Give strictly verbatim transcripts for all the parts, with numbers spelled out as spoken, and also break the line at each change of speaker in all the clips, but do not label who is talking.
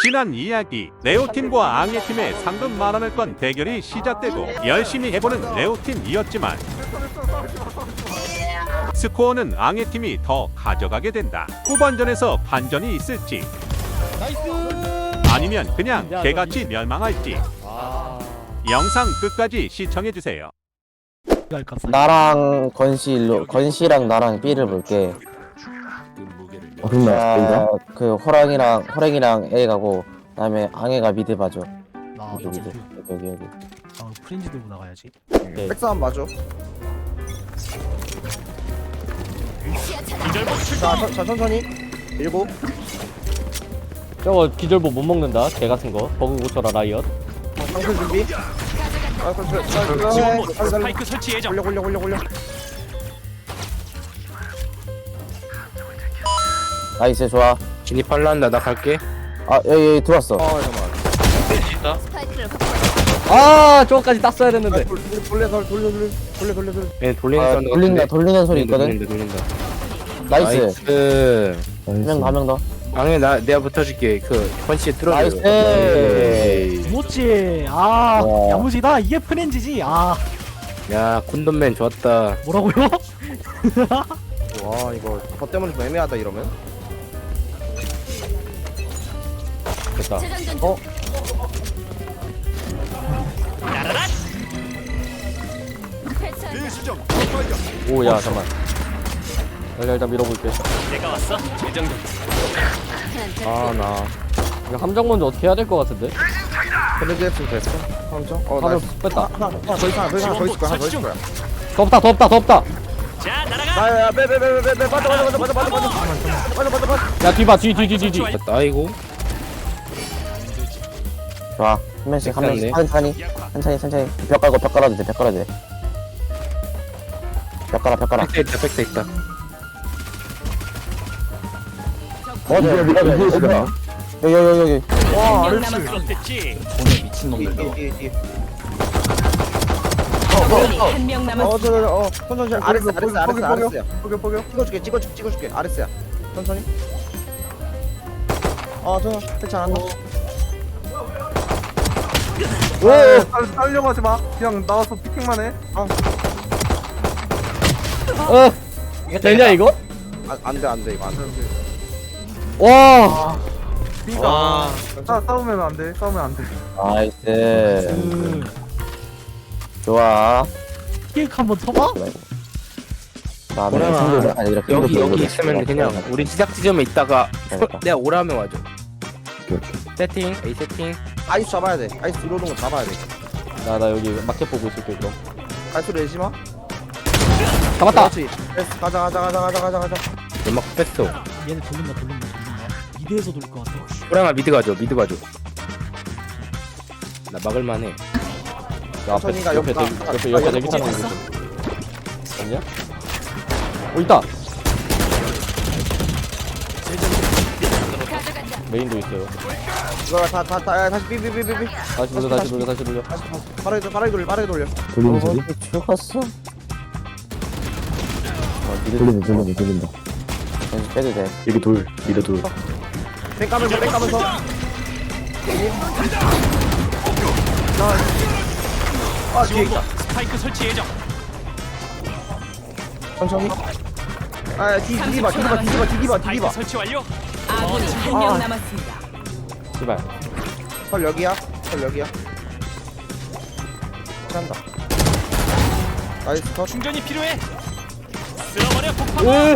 지난 이야기, 레오팀과 앙예팀의 상금 만원을 건 대결이 시작되고 열심히 해보는 레오팀이었지만 스코어는 앙예팀이 더 가져가게 된다. 후반전에서 반전이 있을지 아니면 그냥 개같이 멸망할지 영상 끝까지 시청해주세요.
나랑 건시로 건시랑 나랑 B를 볼게.
어, 그럼
아, 그 호랑이랑 호랑이랑 A 가고 그다음에 앙해가 미드 봐줘.
나
여기
미드.
미드 여기 여기.
아 프렌즈 들고 나가야지.
네.
백사만 봐줘. 자, 천- 자 천천히. 일곱.
저거 기절보 못 먹는다. 개 같은 거. 버그 고쳐라 라이엇.
방풀 준비. 아, 그, 그, 자, 그거 해. 빨리, 빨리.
스파이크 설치 예정.
올려, 올려, 올려, 올려.
나이스 좋아.
진입할라 한다. 나 갈게.
아 여기, 여기 들어왔어.
어, 잠깐만.
아, 저거까지 딱 써야
아,
됐는데.
돌, 돌려, 돌려, 돌려, 돌려, 돌려, 돌려, 돌려.
얘 돌리는
아,
사운드
돌린다
같은데?
돌리는 소리 있거든.
돌린다 돌린다.
나이스.
나이스.
한 명 더 한 명 더.
방에 나 내가 붙어줄게. 그 컨시에 뚫어줘.
나이스.
못지. 아
와.
야무지다. 이게 프렌즈지. 아
야, 콘돔맨 좋았다.
뭐라고요?
와, 이거 저 때문에 좀 애매하다 이러면.
됐다.
어?
오, 야, 잠만. 내가 일단 밀어볼게.
내가 왔어. 재정전.
아, 나. 이거 함정 먼저 어떻게 해야 될 것 같은데?
그래도 했으면 됐어. 삼점. 어, 나
하나 뺐다.
하나, 하나 더 있어, 하나 더 있어, 하나 더 있을 거야, 하나 더 있을 거야.
더 없다, 더 없다, 더 없다.
자 날아가.
아, 야, 빼, 빼, 빼, 빼, 빼, 빠져, 빠져, 빠져, 빠져, 빠져, 빠져, 빠져, 빠져, 빠져.
야, 뒤봐, 뒤, 뒤, 뒤, 뒤, 뒤. 됐다, 아이고.
좋아. 한 명씩 한 명씩 천천히 천천히 천천히. 벽 깔고 벽 깔아도 돼. 벽 깔아도 돼. 벽 깔아 벽 깔아.
백대 있다, 백대 있다.
어디 어디 어디 어디. 여기 여기 여기.
와,
명 남았었겠지.
뒤에, 뒤에, 뒤에.
한명
어,
남았습니다.
저, 저, 어, 천천히. 아레스, 아레스, 아레스, 포기, 포기, 아레스야. 포기, 포기. 찍어줄게, 찍어줄게, 찍어줄게. 아레스야. 천천히. 어, 저, 괜찮아.
오.
살려고 하지 마. 그냥 나와서 피킹만 해.
어, 되냐, 이거?
안, 안 돼, 안 돼, 이거 안 돼.
와.
B가. 싸 싸우면 안 돼. 싸우면 안 돼.
나이스.
그
좋아.
케이크 한번 터봐.
다음에
호랑아,
친구들 아니 이렇게
여기,
친구들
여기
보고
있으면
있어.
그냥 우리 시작 지점에 있다가
그러니까.
내가 오라면 와줘. 세팅, A 세팅.
아이스 잡아야 돼. 아이스 들어오는 거 잡아야 돼.
나, 나 여기 마켓 보고 있을게, 그럼.
아이스 내지 마.
잡았다!
그렇지. 됐어. 가자, 가자, 가자, 가자, 가자, 가자.
연막 뺐어.
얘네 돌린다 돌린다 돌린다. 미드에서 돌릴 것 같아.
호랑아, 미드 가줘, 미드 가줘. 나 막을만해. 야, 앞에,
천천히가
옆에,
옆에
대기,
가-
옆에,
아,
옆에
옆에
대기 타는 거
있어.
있어. 없냐? 오, 있다! 메인도 있어요.
이거 다, 다, 다, 야, 다시 삐삐삐삐삐.
다시 돌려, 다시 돌려, 다시 돌려.
빠르게, 빠르게 돌려, 빠르게 돌려.
돌리는 소리? 죽었어. 어, 돌리는 돌리는 돌린다. 다시 빼도 돼.
여기 돌. 미드 돌.
백 까면서, 백 까면서. 아, 뒤에 있다.
스파이크 설치 예정.
천천히. 아, 뒤, 뒤 봐, 뒤 봐, 뒤 봐, 뒤 봐, 뒤
스파이크
봐.
설치 완료.
아군이 한 명 남았습니다.
씨발.
설 여기야, 설 여기야. 한다. 나이스 컷.
충전이 필요해. 쓸어버려 폭파.
으!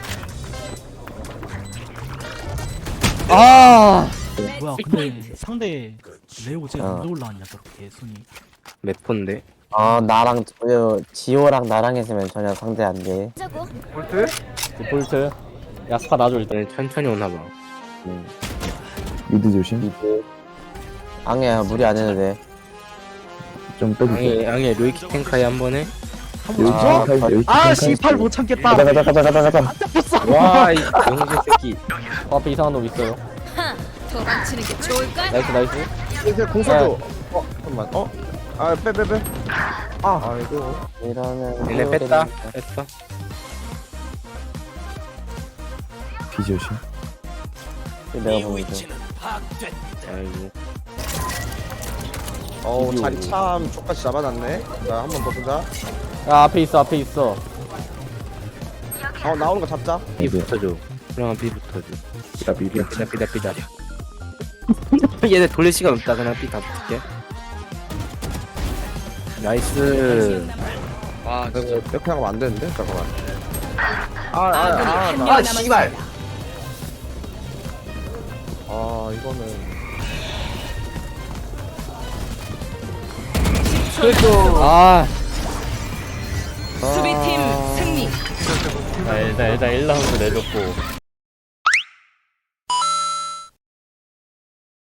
아!
뭐야 근데 상대 레오 쟤
어.
언제 올라왔냐 저렇게 손이.
몇 폰데?
어 나랑 저, 지호랑 나랑 했으면 전혀 상대 안 돼.
볼트?
디폴트. 야, 스파 놔줘, 일단. 천천히 오나봐.
음.
미드 조심.
미드. 앙해야 무리 안 해도 돼.
좀 빼주세요.
양해, 양해, 루이키 탱카이 한 번에.
한번
아,
줘?
여기
아 씨팔 못 참겠다.
가자 가자 가자 가자 가자.
와, 이 영재 새끼. 어, 앞에 이상한 놈 있어요.
도망치는 게 좋을까?
나이스, 나이스.
이제 공 써줘. 어, 잠깐만. 어? 아, 빼, 빼, 빼. 아, 아이고.
이러면
얘네 뺐다. 뺐어.
비 조심.
내가 보는 중.
아이고.
어우 자리 참 족같이 잡아놨네. 자 한 번 더 보자.
야 앞에 있어 앞에 있어.
어 나오는 거 잡자.
비 붙어줘. 그냥 비 붙어줘. 삐다 삐다 삐다 삐다 삐다. 얘네 돌릴 시간 없다. 그냥 삐다 붙게. 나이스.
아 이거 이렇게 하면 안 되는데 잠깐만.
아군이
아아아
한 명
아, 아,
남았습니다.
아 이거는
아.
수비팀 승리.
나 일단 일단 일 라운드 내줬고.